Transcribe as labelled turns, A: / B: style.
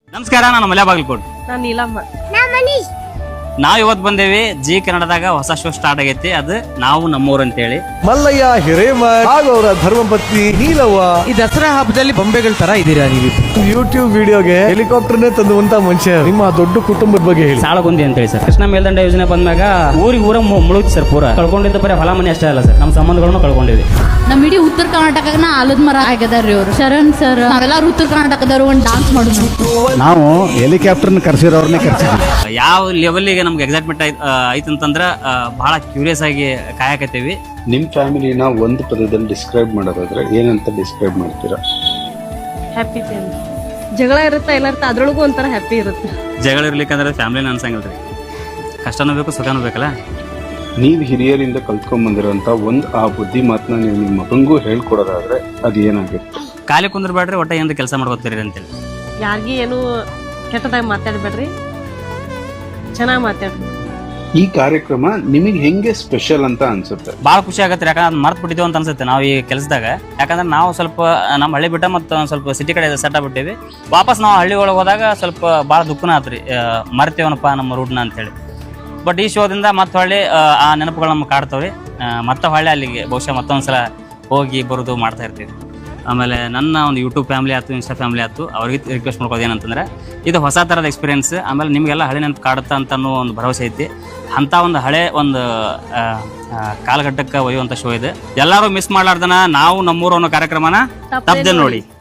A: ನಮಸ್ಕಾರ, ನಾನು ಮಲ್ಯ ಬಾಗಲಕೋಟ್.
B: ನಾನು ನೀಲಮ್ಮ.
A: ನಾವ್ ಇವತ್ತು ಬಂದೇವಿ ಜಿ ಕನ್ನಡದಾಗ ಹೊಸ ಶೋ ಸ್ಟಾರ್ಟ್ ಆಗೈತಿ. ಅದು ನಾವು ನಮ್ಮೂರು ಅಂತೇಳಿ.
C: ಮಲ್ಲಯ್ಯ ಹಿರೇಮಠ್ ಹಾಗೂ ಅವರ ಧರ್ಮಪತ್ನಿ ನೀಲವ್ವ
D: ಈ ದಸರಾ ಹಬ್ಬದಲ್ಲಿ ಬೊಂಬೆಗಳ ತರ ಇದೀರಾ ನೀವು.
C: ಯೂಟ್ಯೂಬ್ ವಿಡಿಯೋಗೆ ಹೆಲಿಕಾಪ್ಟರ್ನೇ ತಂದುವಂತ ಮನುಷ್ಯ. ನಿಮ್ಮ ದೊಡ್ಡ ಕುಟುಂಬದ ಬಗ್ಗೆ ಹೇಳಿ.
A: ಸಾಳಗುಂದಿ ಅಂತೇಳಿ ಸರ್, ಕೃಷ್ಣ ಮೇಲ್ದಂಡ ಯೋಜನೆ ಬಂದಾಗ ಊರ ಮುಳುಗಿ ಸರ್. ಪೂರ ಕಳ್ಕೊಂಡಿದ್ದ ಬರೀ ಹೊಲ ಮನೆ ಅಷ್ಟೇ ಅಲ್ಲ ಸರ್, ನಮ್ಮ ಸಂಬಂಧಗಳನ್ನು ಕಳ್ಕೊಂಡಿವಿ.
E: ನಮ್ ಇಡೀ ಉತ್ತರ ಕರ್ನಾಟಕನ ಆಲದ ಮರ ಆಗ್ಯದಾರ್ರಿ ಅವ್ರು. ಶರಣ್ ಸರ್ ನಾವೆಲ್ಲರೂ ಉತ್ತರ ಕರ್ನಾಟಕದವ್ರು ಒಂದು ಡಾನ್ಸ್ ಮಾಡೋದು.
C: ನಾವು ಹೆಲಿಕಾಪ್ಟರ್ನ ಕರ್ಸಿರೋರ್ನೇ ಕರ್ಸಿದ್ವಿ.
A: ಯಾವ ಲೆವೆಲ್ಗೆ ನಮ್ಗೆ ಎಕ್ಸೈಟ್ಮೆಂಟ್ ಐತಂತಂದ್ರ ಬಹಳ ಕ್ಯೂರಿಯಸ್ ಆಗಿ ಕಾಯಕತ್ತೀವಿ.
F: ನಿಮ್ ಫ್ಯಾಮಿಲಿನ ಒಂದು ಪದದಲ್ಲಿ ಡಿಸ್ಕ್ರೈಬ್ ಮಾಡೋದಾದ್ರೆ ಏನಂತ ಡಿಸ್ಕ್ರೈಬ್ ಮಾಡ್ತೀರಾ?
B: Happy family. ಜಗಳ ಇರುತ್ತೆ ಎಲ್ಲ ಇರುತ್ತೆ, ಅದ್ರೊಳಗೂ ಒಂಥರ ಹ್ಯಾಪಿ ಇರುತ್ತೆ.
A: ಜಗಳ ಇರ್ಲಿಕ್ಕಂದ್ರೆ ಫ್ಯಾಮಿಲಿನ ಅನ್ಸಂಗಿಲ್ರಿ. ಕಷ್ಟನೂ ಬೇಕು, ಸುಖನೂ ಬೇಕಲ್ಲ.
F: ನೀವು ಹಿರಿಯರಿಂದ ಕಲ್ತ್ಕೊಂಡ್ ಬಂದಿರೋಂತ ಆ ಬುದ್ಧಿ ಮಾತನ್ನ ನೀವು ನಿಮ್ಮ ಮಗಂಗೂ ಹೇಳ್ಕೊಡೋದಾದ್ರೆ ಅದು ಏನಾಗುತ್ತೆ?
A: ಖಾಲಿ ಕುಂದ್ರಬೇಡ್ರಿ, ಒಟ್ಟ ಏನಾದ್ರು ಕೆಲಸ ಮಾಡ್ಕೋತೀರಿ ಅಂತೇಳಿ.
B: ಯಾರಿಗೂ ಏನು ಕೆಟ್ಟದಾಗಿ ಮಾತಾಡ್ಬೇಡ್ರಿ, ಚೆನ್ನಾಗಿ ಮಾತಾಡ್ರಿ.
F: ಈ ಕಾರ್ಯಕ್ರಮ ನಿಮಗೆ ಹೆಂಗೆ ಸ್ಪೆಷಲ್ ಅಂತ ಅನ್ಸುತ್ತೆ?
A: ಭಾಳ ಖುಷಿ ಆಗತ್ತೆ, ಯಾಕಂದ್ರೆ ಮರ್ತು ಬಿಟ್ಟಿದ್ದೇವೆ ಅಂತ ಅನ್ಸುತ್ತೆ ನಾವು ಈ ಕೆಲಸದಾಗ. ಯಾಕಂದ್ರೆ ನಾವು ಸ್ವಲ್ಪ ನಮ್ಮ ಹಳ್ಳಿ ಬಿಟ್ಟ ಮತ್ತು ಸ್ವಲ್ಪ ಸಿಟಿ ಕಡೆ ಸೆಟ್ ಆಗ್ಬಿಟ್ಟಿವಿ. ವಾಪಸ್ ನಾವು ಹಳ್ಳಿ ಒಳಗೆ ಹೋದಾಗ ಸ್ವಲ್ಪ ಭಾಳ ದುಃಖನ ಆತ್ರಿ, ಮರ್ತೇವನಪ್ಪ ನಮ್ಮ ರೂಟ್ನ ಅಂತೇಳಿ. ಬಟ್ ಈ ಶೋದಿಂದ ಮತ್ತೆ ಹೊಳ್ಳಿ ಆ ನೆನಪುಗಳು ನಮ್ಗೆ ಕಾಡ್ತಾವ್ರಿ. ಮತ್ತೆ ಹೊಳ್ಳಿ ಅಲ್ಲಿಗೆ ಬಹುಶಃ ಮತ್ತೊಂದ್ಸಲ ಹೋಗಿ ಬರೋದು ಮಾಡ್ತಾ ಇರ್ತೀವಿ. ಆಮೇಲೆ ನನ್ನ ಒಂದು ಯೂಟ್ಯೂಬ್ ಫ್ಯಾಮಿಲಿ ಆಯ್ತು, ಇನ್ಸ್ಟಾ ಫ್ಯಾಮಿಲಿ ಆಯ್ತು, ಅವ್ರಿಗೆ ರಿಕ್ವೆಸ್ಟ್ ಮಾಡ್ಕೋದು ಏನಂತಂದ್ರೆ ಇದು ಹೊಸ ಥರದ ಎಕ್ಸ್ಪೀರಿಯೆನ್ಸ್. ಆಮೇಲೆ ನಿಮಗೆಲ್ಲ ಹಳೆ ನೆನಪು ಕಾಡುತ್ತಾ ಅಂತ ಅನ್ನೋ ಒಂದು ಭರವಸೆ ಐತಿ. ಅಂಥ ಒಂದು ಹಳೆ ಒಂದು ಕಾಲಘಟ್ಟಕ್ಕೆ ಒಯ್ಯುವಂಥ ಶೋ ಇದೆ. ಎಲ್ಲರೂ ಮಿಸ್ ಮಾಡ್ಲಾರ್ದನ ನಾವು ನಮ್ಮೂರು ಅನ್ನೋ ಕಾರ್ಯಕ್ರಮನ ತಪ್ಪದೆ ನೋಡಿ.